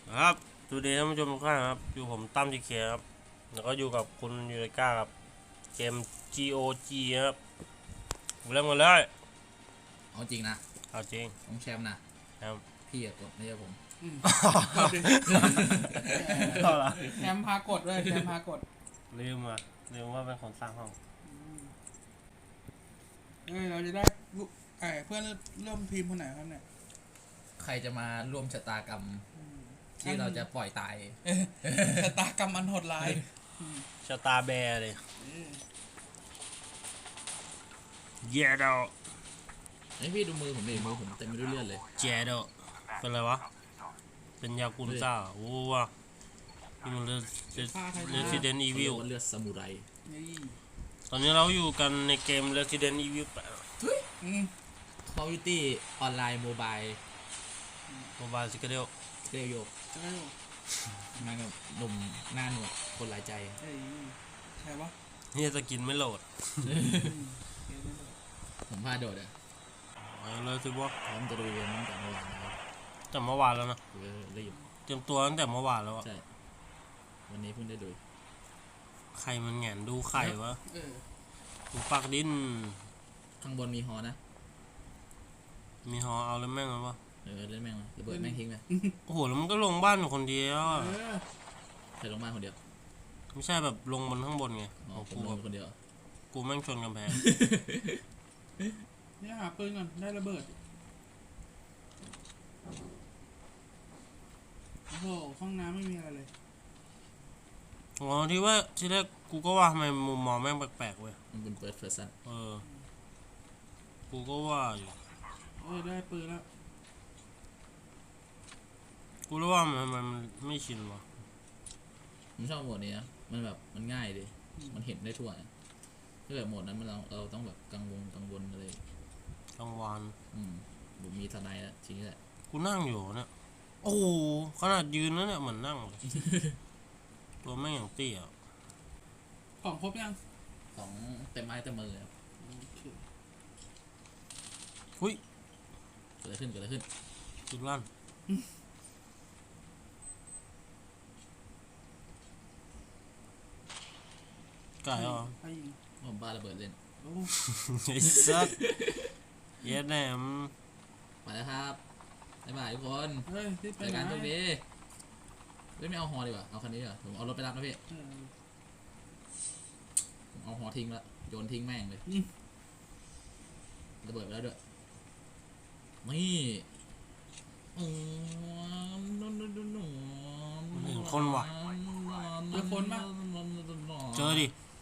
ครับสวัสดีท่านผู้ชมทุกท่านครับอยู่ผมตั้มทีเคครับแล้วก็อยู่กับคุณยูริก้าครับเกม GOG ครับเริ่มกันเลยเอาจริงนะเอาจริงต้องแชมป์นะครับพี่อะกดไม่ใช่ผมเอาละแชมป์พากดด้วยแชมป์พากดลืมว่าเป็นคนสร้างห้องเราจะได้เพื่อนร่วมทีมคนไหนครับเนี่ยใครจะมาร่วมชะตากรรมที่เราจะปล่อยตายชะตากรรมอันโหดร้ายชะตาแบร์เลยเยโดไอพี่ดูมือผมดิมือผมเต็มไปด้วยเลือดเลยเจโดเป็นอะไรวะเป็นยากุซ่าโอ้ว่ะนี่มันResident เขาเรีย Evil กว่าเลือดซามูไรนี่ตอนนี้เราอยู่กันในเกม Resident Evil อืมคอมพิวตี้ออนไลน์โมบาย Mobile Secret เรียกโยกใช่ไหมมากับหนุ่มหน้าหนวดคนหลายใจเอ้ยใครวะนี่สกินไม่โหลดผมพาโดดอ่ะเอาเลยสิวะพร้อมจะลุยกันตั้งแต่เมื่อวานนะครับแต่เมื่อวานแล้วนะรีบเตรียมตัวตั้งแต่เมื่อวานแล้วอะใช่วันนี้เพิ่งได้ลุยไข่มันแหงนดูไข่วะเออดูปากดิ้นข้างบนมีฮอนะมีฮอเอาแล้วแม่งแล้ววะเล่นแม่งมาระเบิดแม่งทิ้งไปโอ้โหแล้วมันก็ลงบ้านอยู่คนเดียวอะเออใครลงมาคนเดียวไม่ใช่แบบลงบนข้างบนไงอ๋อของผมกูลแบงบคนเดียวกูแม่งชนกำแพงเนี่ยหาปืนก่อนได้ระเบิดโอ้โหห้องน้ำไม่มีอะไรเลยอ๋อที่ว่าที่แรกกูก็ว่าทำไมมุมมองแม่งแปลกๆเว้ยมันเป็นเฟิร์สเพรสซันเออกูก็ว่าอยู่ได้ปืนแล้วกูรู้ว่ามันไม่ชินวะผมชอบโหมดนี้นะมันแบบมันง่ายดิมันเห็นได้ทั่วนะถ้าเกิดโหมดนั้นเราต้องแบบกังวลอะไรกลางวานผมมีทนายแล้วทีนี้แหละกูนั่งอยู่เนี่ยโอ้โหขนาดยืนแล้วเนี่ยเหมือนนั่งเลย ตัวแม่งอย่างเตี้ยของครบยังของเต็มไม้เต็มมือเลยครับโอเคหุ้ยเกิดอะไรขึ้นจุดลั่นไก่เหรอใครยิงผมบ้าระเบิดเล่นโอ้ไอ้สัสเย็ดแหนมไปแล้วครับบ๊ายบายทุกคนเฮ้ยที่ไปเจอไหนกันตัวนี้ไม่เอาฮอดีกว่าเอาคันนี้ดีกว่าผมเอารถไปรับนะพี่เออผมเอาฮอทิ้งละโยนทิ้งแม่งเลยอืมระเบิดไปแล้วด้วยนี่เจอดิ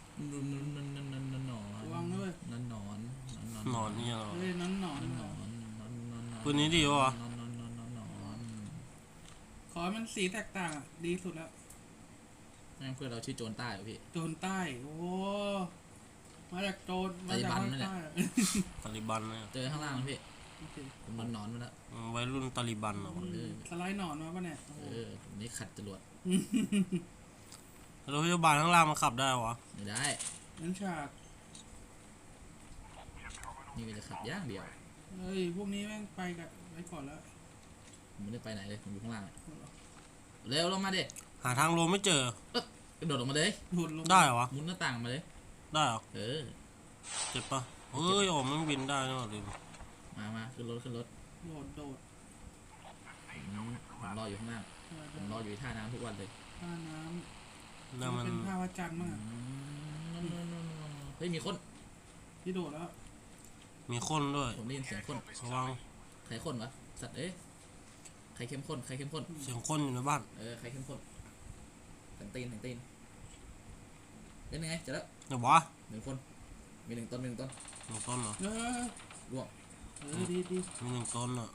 ระวังด้วยหนอนนี่เหรอเฮ้ยนั้นหนอนปืนนี้ดีวะขอให้มันสีแตกต่างอะดีสุดแล้วแม่งเพื่อนเราชื่อโจรใต้เหรอพี่โจรใต้ โอ้ มาจากโจรมาจากตาลิบันภาคนั่นแหละใต้อะตาลิบันเนี่ยเจอข้างล่างนะพี่โอเคผมนอนมาแล้ววัยรุ่นตาลิบันเหรอวะสไลด์หนอนมาปะเนี่ยโอ้โหผมนี่ขัดจรวดรถพยาบาลข้างล่างมันขับได้วะไม่ได้นั้นฉากนี่ก็จะขับย่างเดียวเฮ้ย พวกนี้แม่งไปกับไปก่อนแล้วผมไม่ได้ไปไหนเลยผมอยู่ข้างล่างเร็วลงมาดิหาทางลงไม่เจอกระโดดลงมาเลยหลุดลงได้เหรอวะมุดหน้าต่างมาเลยได้เหรอเออเจ็บปะเฮ้ยโอ้มันบินได้นะลืมมาขึ้นรถโดดผมรออยู่ข้างล่างผมรออยู่ที่ท่าน้ำทุกวันเลยท่าน้แล้วำมันเป็นท่าวัดจันทร์มากเฮ้ยมีคนที่โดดแล้วมีคนด้วยผมได้ยินเสียงคนระวังใครคนวะสัตว์ใครเข้มข้นใครเข้มข้นเสียงคนอยู่ในบ้านใครเข้มข้นแต่งตีนเป็นยังไงเจอแล้วเดี๋ยววะ 1 คนมี1 ต้นหนึ่งต้นเหรอร่วงดีมีหนึ่งต้นอ่ะ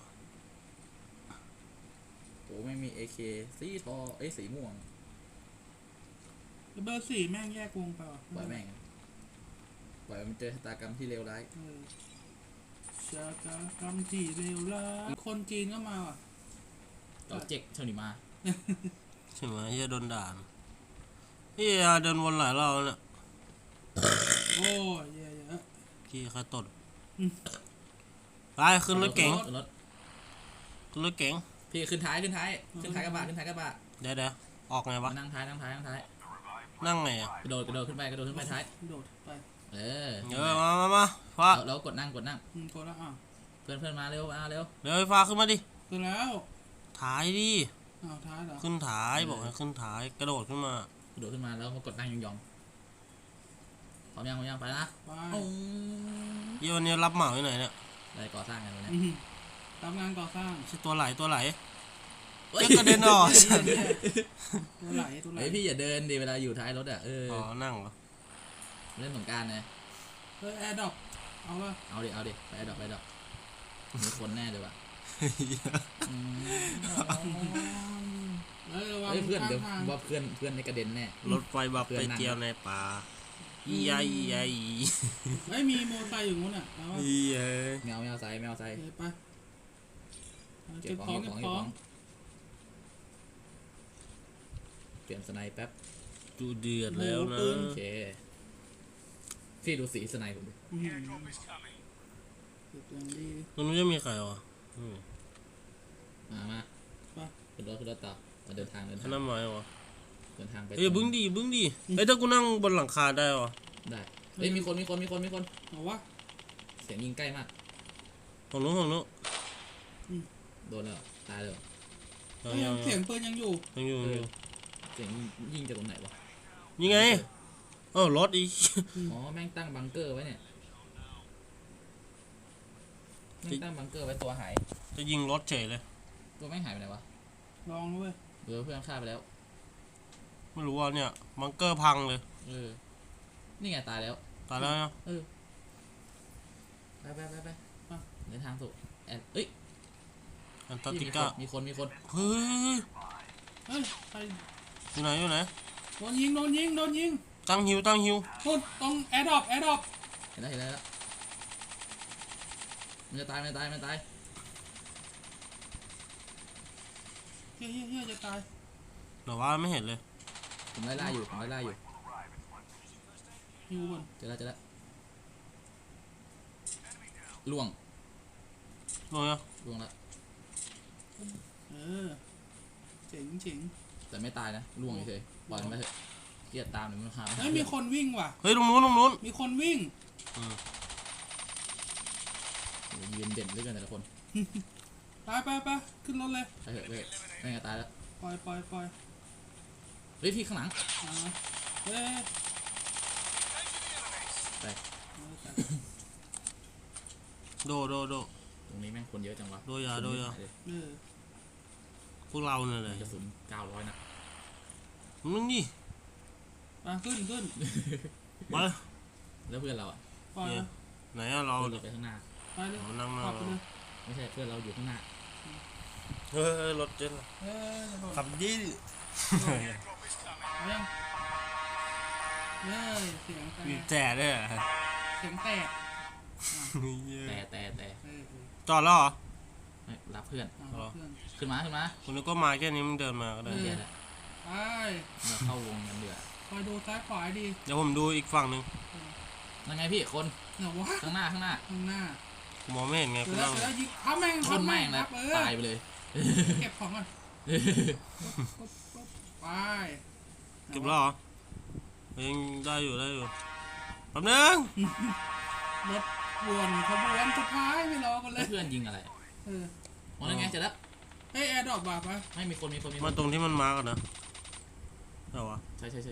โอ้ไม่มี AK สีทอสีม่วงเบอร์สี่แม่งแยกวงไปว่ะปล่อยแม่งปล่อยมันเจอชะตากรรมที่เลวร้ายชะตากรรมที่เลวร้ายคนจีนก็มาว่ะต่อเจ๊กเท่านี้มาใช่ไหมเฮียโดนด่าเฮียเดินวนหลายรอบแล้วเนี่ยโอ้ยเยอะพี่ใครตดไปขึ้นรถเก๋งรถขึ้นรถเก๋งพี่ขึ้นท้ายกระบะเดี๋ยวออกไงวะนั่งท้ายนั่งไงอ่ะกระโดดขึ้นไปท้ายโดดไปมาฟ้าแล้วกดนั่งกดแล้วเพื่อนมาเร็วเดี๋ยวไฟฟ้าขึ้นมาดิขึ้นแล้วถ่ายดิท้ายเหรอขึ้นถ่ายบอกให้ขึ้นถ่ายกระโดดขึ้นมาแล้วมากดนั่งยองๆพร้อมยังไปนะไปเยี่ยวันนี้รับเหมาที่ไหนเนี่ยอะไรก่อสร้างกันวะเนี่ยทำงานก่อสร้างใช่ตัวไหลจะกระเด็นออกตัวไหลเฮ้ยพี่อย่าเดินดิเวลาอยู่ท้ายรถอ่ะอ๋อนั่งเหรอเล่นสงกรานต์ไงแอร์ดรอปเอาป่ะเอาดิไปดอกมีคนแน่เลยว่ะระวังเฮ้ยเพื่อนข้างเดี๋ยวทางว่าเพื่อนในกระเด็นแน่รถไฟบับไปเที่ยวในป่าอียอีเฮ้ยมีโมไซค์อยู่นู้นอ่ะเอาป่ะอีเอ้ยแมวใส่ไปเก็เก็บบ ขขออง งเก็บของเปลี่ยนสไนป์แป๊บดูเดือดแล้วนะโอเคพี่ดูสีสไนป์ผมดิเก็บอย่างดีตรงนู้นจะมีใครวะมาขึ้นรถต่อมาเดินทางท่าน้ำไม้วะเดินทางไปเอ้ยบึ้งดีเอ้ยถ้ากูนั่งบนหลังคาได้วะได้เฮ้ยมีคนเอาวะเสียงยิงใกล้มากของนู้นโดนแล้วตายเลยเสียงปืนยังอยู่ยังอยู่เสียงยิงจากตรงไหนวะยังไงรถอีกอ๋อแม่งตั้งบังเกอร์ไว้เนี่ยแม่งตั้งบังเกอร์ไว้ตัวหายจะยิงรถเฉยเลยตัวแม่งหายไปไหนวะลองด้วยเดี๋ยวเพื่อนฆ่าไปแล้วไม่รู้ว่าเนี่ยบังเกอร์พังเลยนี่ไงตายแล้วตายแล้วนะไปเดินทางสู่เอ้ยอันตาร์กติกามีคนเฮ้ยเฮ้ยใครอยู่ไหนโดนยิงตั้งฮิวนู่นตรงแอร์ดรอปเห็นแล้วมันจะตายเฮียจะตายแต่ว่าไม่เห็นเลยผมไล่อยู่ฮิวบนเจอแล้วล่วงลงยังแล้วเจ๋งแต่ไม่ตายนะล่วงเฉยปล่อยมันไปเถอะเกลียดตามหนึ่งมันหาเฮ้ยมีคนวิ่งว่ะเฮ้ยตรงนู้นมีคนวิ่งยืนเด่นด้วยกันแต่ละคนไปขึ้นรถเลยไปเถอะไม่งั้นตายแล้วปล่อยเฮ้ยพี่ข้างหลังเฮ้ยไปโดตรงนี้แม่งคนเยอะจังวะโดยา พวกเราเนี่ยเลยกระสุน900นัดมึงนี่ขึ้นไปแล้วเพื่อนเราอ่ะปล่อยไหนอะเราเพื่อนเนี่เรายไปข้างหน้าไปเลยนั่งหน้าขับไปเลยไม่ใช่เพื่อนเราอยู่ข้างหน้าเฮ้ยรถเจ๊งขับดิยังเสียงบีบแต่ด้วยเสียงแตกแต่จอดแล้วเหรอรับเพื่อนเพื่อนขึ้นมาคุณนึกก็มาแค่นี้มึงเดินมาก็ได้เดี๋ยวแหละไปมาเข้าวงกันเดือดคอยดูซ้ายขวาดีเดี๋ยวผมดูอีกฝั่งหนึ่งยังไงพี่คนเหนือวะข้างหน้าข้างหน้าผมมองไม่เห็นไงเจคุอณแล้นั่วงยิงทับแม่งชนแม่งคแล้รัวบตายไปเลยเก็บของก่อนไปเก็บแล้วเหรอยังได้อยู่แป๊บนึงรถวนขบวนสุดท้ายไม่รอกันเลยเพื่อนยิงอะไร อ๋อนั่นไงเจอแล้วเฮ้ยแอร์ดรอปว่ะปะไม่มีคนมาตรงที่มันมากันนะเอาวะใช่เดี๋ยว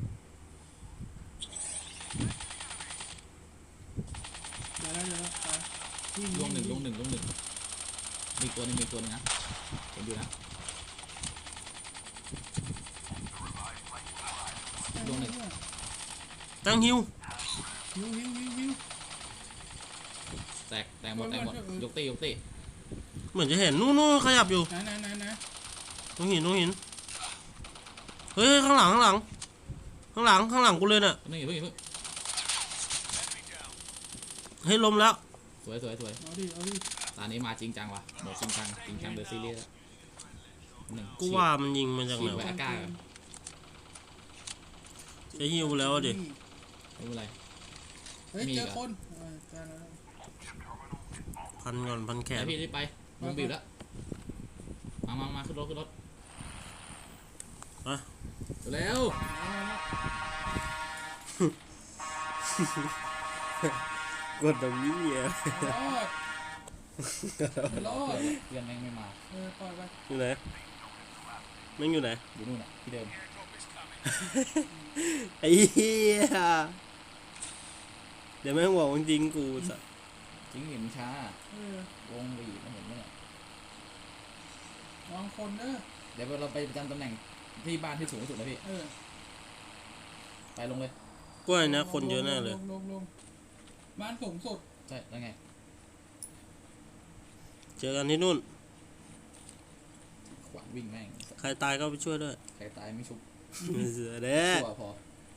ไปลงหนึ่งมีตัวหนึ่งนะเห็นอยู่นะลงหนึ่งตั้งฮิวหิวแตกหมดยกตีเหมือนจะเห็นนู่นขยับอยู่ไหนตรงหินเฮ้ยข้างหลังกูเลยน่ะนี่เพิ่งเฮ้ยลมแล้วสวยเอาดิตอนนี้มาจริงจังว่ะหมดจริงจังเลยซีเรียสหนึ่งกูว่ามันยิงมาจากไหนฉีดวะไว้ กล้าจะฮิวแล้วดิไม่เป็นไรเฮ้ยเจอคนเจอแล้วพันแขแล้นวพี่รีบไปมึงบีบแล้วไปมาขึ้นรถมาเร็วกดตรงนี้อ่ะรอดเพื่อนแม่งไม่มาปล่อยไปอยู่ไหนแม่งอยู่ไหนอยู่นู่นที่เดิมไอ้เหี้ยเดี๋ยวแม่งบอกจริงกูสัสจริงเห็นช้าวงบีบมาเห็นไหมเนี่ยวางคนเด้อเดี๋ยวเราไปประจำตำแหน่งที่บ้านที่สูงที่สุดเลยพี่ไปลงเลยกล้วยนะคนเยอะแน่เลยลงบ้านสูงสุดใช่แล้วไงเจอกันที่นู่นขวานวิ่งแม่งใครตายก็ไปช่วยด้วยใครตายไม่ชุบเสือเด้ตัวพอ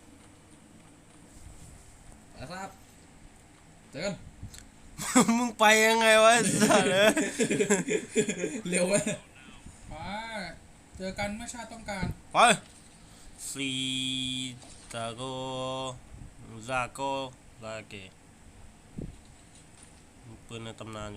ไปครับเจอกันมึงไปยังไงวะสัสเร็วไปไปเจอกันเมื่อชาติต้องการไปซีตาโกซาโกลาเกปืนในตำนานอยู่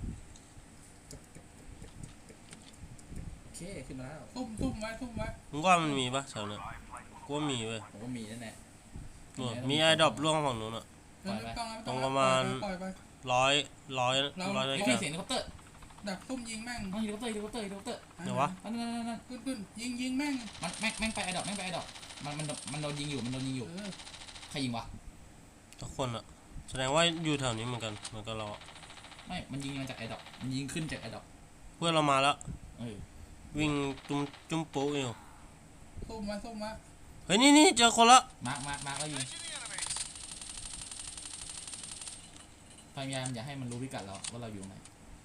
โอเคขึ้นมาแล้วทุ่มไว้มึงว่ามันมีปะแถวเนี้ยกูว่ามีเว้ยผมก็มีนั่นแหละนู่นมีไอ้ดรอปล่วงฝั่งนู้นอ่ะ ตรงประมาณปล่อยไปร้อยได้ไม่แค่มีเสียงเฮลิคอปเตอร์ดักซุ่มยิงแม่งเฮลิคอปเตอร์เดี๋ยววะนั่นขึ้นยิงแม่งมันแม่งไปไอดอกมันโดนยิงอยู่ใครยิงวะทุกคนอ่ะแสดงว่าอยู่แถวนี้เหมือนกันเราอะไม่มันยิงมาจากไอดอกมันยิงขึ้นจากไอดอกเพื่อนเรามาแล้วเออวิ่งจุ้มปุ๊อยู่ซุ่มมาเฮ้ยนี่เจอคนละมาร์คแล้วยิงพยายามอย่าให้มันรู้พิกัดเราว่าเราอยู่ไหน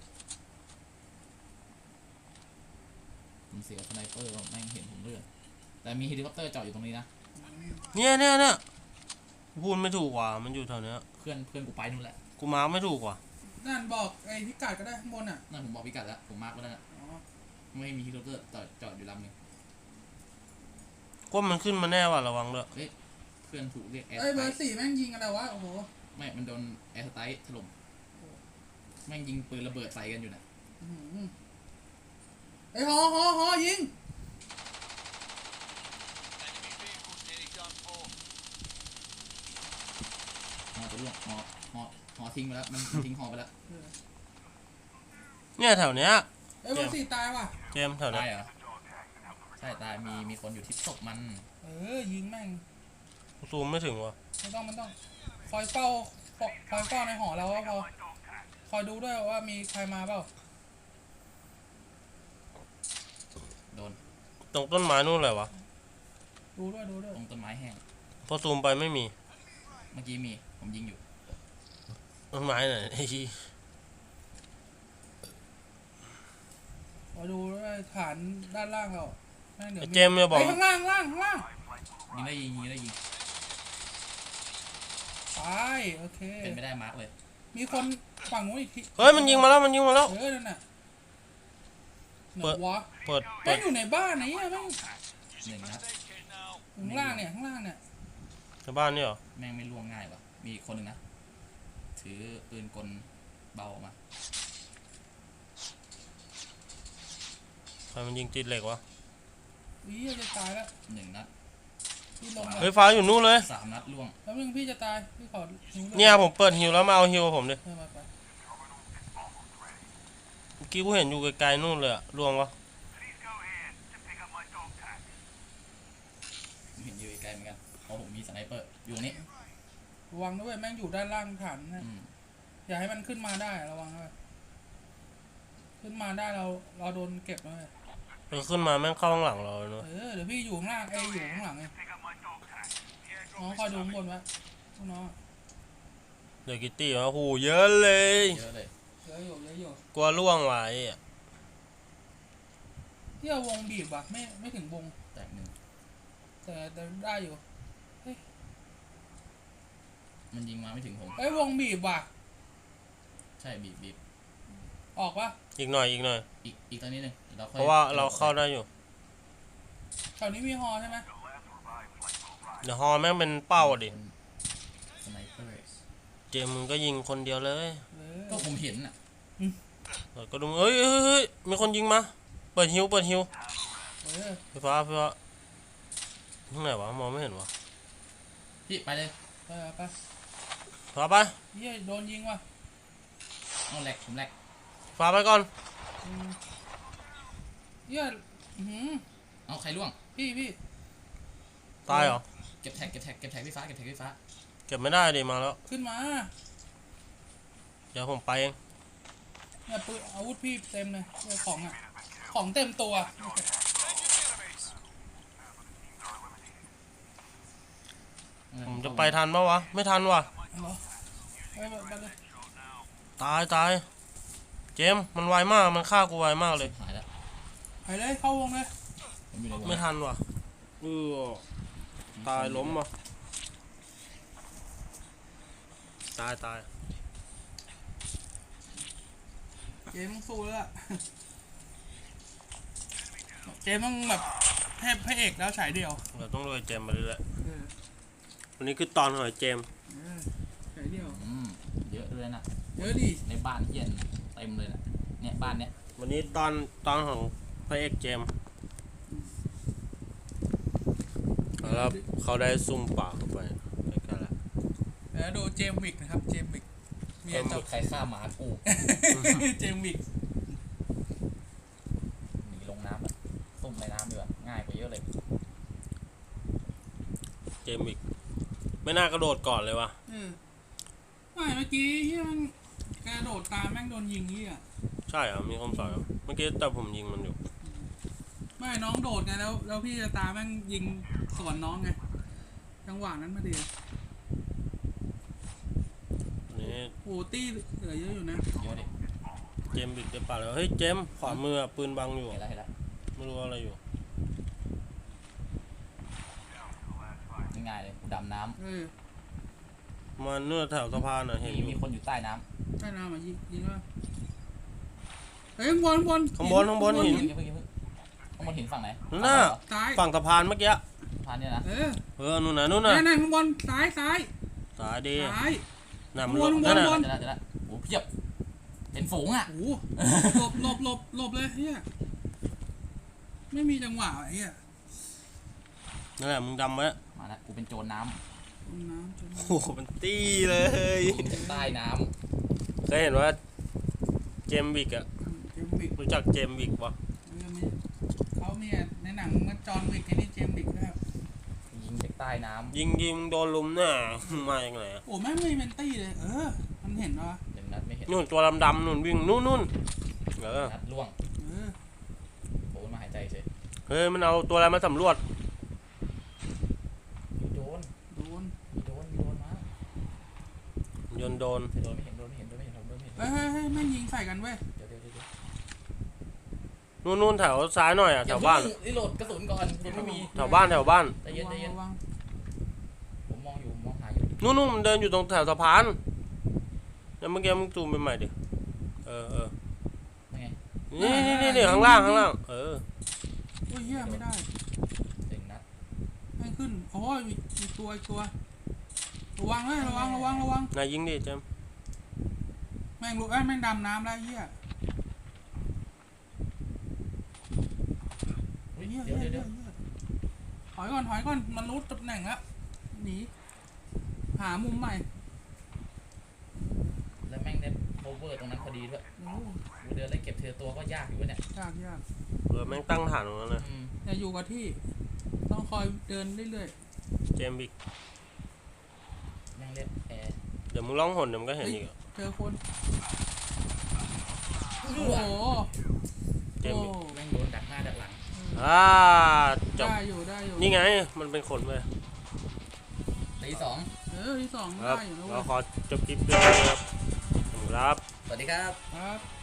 ผมเสียสไนเปอร์แม่งเห็นผมเลือดแต่มีเฮลิคอปเตอร์จอดอยู่ตรงนี้นะเนี่ยพูดไม่ถูกว่ะมันอยู่แถวเนี้ยเพื่อนกูไปนู่นแหละกูมาร์คไม่ถูกว่ะนั่นบอกไอ้พิกัดก็ได้ข้างบนอ่ะนั่นผมบอกพิกัดแล้วผมมาร์คไว้แล้วนะอ๋อไม่มีเฮลิคอปเตอร์จอดอยู่ลำหนึงก็มันขึ้นมาแน่ว่ะระวังด้วยเพื่อนถูกเรียกแอร์เอ้ยสเบไตอล์ร์4แม่งยิงอะไรวะโอ้โหไม่มันโดนแอร์สไตล์ถล่มแม่งยิงปืนระเบิดใส่กันอยู่นะไอ้หอยิงหอจะล่วงหอทิ้งไปแล้วมันทิ้งหอไปแล้วเนี่ยแถวเนี้ยไอ้เบอร์4ตายว่ะเจมส์แถวเนี้ตาย ยเหรอใช่ตายมีคนอยู่ที่ศพมันยิงแม่งกูซูมไม่ถึงว่ะมันต้องคอยเฝ้าในหอเราก็พอคอยดูด้วยว่ามีใครมาเปล่าโดนตรงต้นไม้นู่นเลยวะดูด้วยตรงต้นไม้แห้งพอซูมไปไม่มีเมื่อกี้มีผมยิงอยู่ต้นไม้ไหนไอ้ชี้คอยดูด้วยฐานด้านล่างเราแม่งเดี๋ยวเจมส์เนี่ยบอกข้างล่างยิงได้ยิงตายโอเคเป็นไม่ได้มาร์กเลยมีคนฝั่งนู้นอีกทีเฮ้ยมันยิงมาแล้วนั่นน่ะไหนวะเปิดแม่งอยู่ในบ้านไหนแม่งหนึ่งนัดข้างล่างเนี่ยในบ้านนี่เหรอแม่งไม่ล่วงง่ายวะมีคนหนึ่งนะถือปืนกลเบาออกมาใครมันยิงติดเหล็กวะจะตายแล้วหนึ่งนัดพี่ลงเฮ้ยฟ้าอยู่นู่นเลย 3 นัดล่วงแล้วนึงพี่จะตายพี่ขอหิวลเนี่ยผมเปิดฮิวแล้วมาเอาฮิวผมดิมาไปเมื่อกี้กูเห็นอยู่ไกลๆนู่นเลยอะล่วงวะเห็นอยู่ไกลเหมือนกันเพราะผมมีสไนเปอร์อยู่ตรงนี้ระวังด้วยแม่งอยู่ด้านล่างฐานนะอืมอย่าให้มันขึ้นมาได้ระวังด้วยขึ้นมาได้เราโดนเก็บเลยขึ้นมาแม่งเข้าข้างหลังเราเลยเนอะเดี๋ยวพี่อยู่ข้างล่างอยู่ข้างหลังไงน้องคอยดูข้างบนไว้น้องเดี๋ยวกิตตี้มาโหเยอะเลยเยอะเลยเยอะอยู่กลัวล่วงไว้อะที่เอาวงบีบว่ะไม่ถึงวงแตกหนึ่งแต่ได้อยู่มันยิงมาไม่ถึงผมวงบีบว่ะใช่บีบออกปะอีกหน่อยอีกตอนนี้หนึ่งเราค่อยเพราะว่าเราเข้าได้อยู่แถวนี้มีฮอใช่ไหมเดี๋ยวฮอแม่งเป็นเป้าอะดิสไนเปอร์เจมส์มึงก็ยิงคนเดียวเลยก็ผมเห็นน่ะก็ดูเอ้ยมีคนยิงมาเปิดฮิวเออไฟฟ้าข้างไหนวะมองไม่เห็นวะพี่ไปเลยไปฟ้าไปเฮียโดนยิงว่ะเอาแหลกผมแหลกฟ้าไปก่อนอืมเฮียอื้อหือเอาใครล่วงพี่ตายเหรอเก็บแท็กพี่ฟ้าเก็บแท็กพี่ฟ้าเก็บไม่ได้ดิมาแล้วขึ้นมาเดี๋ยวผมไปเองเนี่ยปืนอาวุธพี่เต็มเลยของอ่ะของเต็มตัวผมจะไปทันปะวะไม่ทันวะเหรอไปเลยตายเจมส์มันไวมากมันฆ่ากูไวมากเลยหายแล้วไปเลยเข้าวงเลยผมอยู่ในวงไม่ทันวะตายล้มวะตายเจมส์สู้แล้วล่ะเจมส์ต้องแบบเทพพระเอกแล้วฉายเดียวเราต้องรวยเจมส์มาเรื่อยๆวันนี้คือตอนของเจมส์ฉายเดียวเยอะด้วยนะเยอะดิในบ้านเฮียนเต็มเลยนะเนี่ยบ้านเนี้ยวันนี้ตอนของพระเอกเจมส์แล้วเขาได้ซุ่มป่าเข้าไปใกล้ๆแล้วแล้วดูเจมส์วิกนะครับเจมส์วิกเมียจับใครฆ่าหมากูเจมส์วิกหนีลงน้ำแบบซุ่มในน้ำดีกว่าง่ายกว่าเยอะเลยเจมส์อีกไม่น่ากระโดดก่อนเลยวะไม่เมื่อกี้ที่มันกระโดดตามแม่งโดนยิงนี่อ่ะใช่เหรอมีคนสอยเหรอเมื่อกี้แต่ผมยิงมันอยู่ไม่น้องโดดไงแล้วพี่จะตามแม่งยิงสวนน้องไงจังหวะนั้นมาดีนี่โอ้ตี้เหลือเยอะอยู่นะเยอะดิเจมส์บิดได้ป่าแล้วเฮ้ยเจมส์ขวามืออะปืนบังอยู่เห็นแล้วไม่รู้อะไรอยู่ง่ายเลยดำน้มาเนื้อแถวสะพานอ่ะำเห็นมีคนอยู่ใต้น้ำใช่นะมายิงว่าเฮ้ยข้างบนข้างบนหินเพิ่งข้างบนหินฝั่งไหนนั่นน่ะซ้ายฝั่งสะพานเมื่อกี้พานเนี่ยนะนู่นน่ะนั่นข้างบนซ้ายสายดีซ้ายน่ะมันวนนั่นน่ะวนจะละโอ้เพียบเห็นฝูงอ่ะโอ้หลบเลยเฮียไม่มีจังหวะไอ้เฮียนั่นแหละมึงดำไว้มาแล้วกูเป็นโจรน้น้ำจนโอ้โหมันตี้เลยำใต้น้เคยเห็นว่าเจมส์บิกอะเจมส์วิกรู้จักเจมส์บิกปะเขามีในหนังมันจอห์นวิกไอ้นี่เจมส์วิกนะครับำยิงจากใต้น้ยิงโดนลุมหน้ามาอย่างไรอะโอ้แม่งไม่เมนตี้เลยมันเห็นวะำหนึ่งนัดไม่เห็นนู่นตัวดำๆนู่นวิ่งนู่นนัดล่วงเออโผล่มาหายใจเฉยเฮ้ยมันเอาตัวอะไรมาสำรวจมีโดนโดนมาโยนโดนโดนไม่เห็นผมไม่เห็นเฮ้ยแม่งยิงใส่กันเว้ยเดี๋ยวนู่นแถวซ้ายหน่อยอะแถวบ้านรีโหลดกระสุนก่อนกระสุนไม่มีแถวบ้านใจเย็นระวังผมมองหาอยู่นู่นมันเดินอยู่ตรงแถวสะพานแล้วเมื่อกี้มึงซูมไปใหม่ดิเออยังไงนี่ข้างล่างโอ้ยเฮียไม่ได้หนึ่งนัดไม่ขึ้นโอ้ยอีกตัวระวังเลยระวังนายยิงดิเจมส์แม่งรู้แม่งดำน้ำได้เฮียเดี๋ยวถอยก่อนมันรู้ตำแหน่งแล้วหนีหามุมใหม่แล้วแม่งได้โคเวอร์ตรงนั้นพอดีด้วยโอ้กูเดินไล่เก็บเธอตัวก็ยากอยู่วะเนี่ยยากแม่งตั้งฐานตรงนั้นเลยอย่าอยู่กับที่ต้องคอยเดินเรื่อยเจมส์บิกแม่งเล่นแอร์เดี๋ยวมึงร้องหนเดี๋ยวมึงก็เห็นอีกๆเจอคนโอ้โหเจมส์บิกแม่งโดนดักหน้าดักหลังจบได้อยู่นี่ไงมันเป็นคนเว้ยตีสองที่สองครับได้อยู่นะเราเว้ยขอจบคลิปด้วยนะครับสวัสดีครับครับ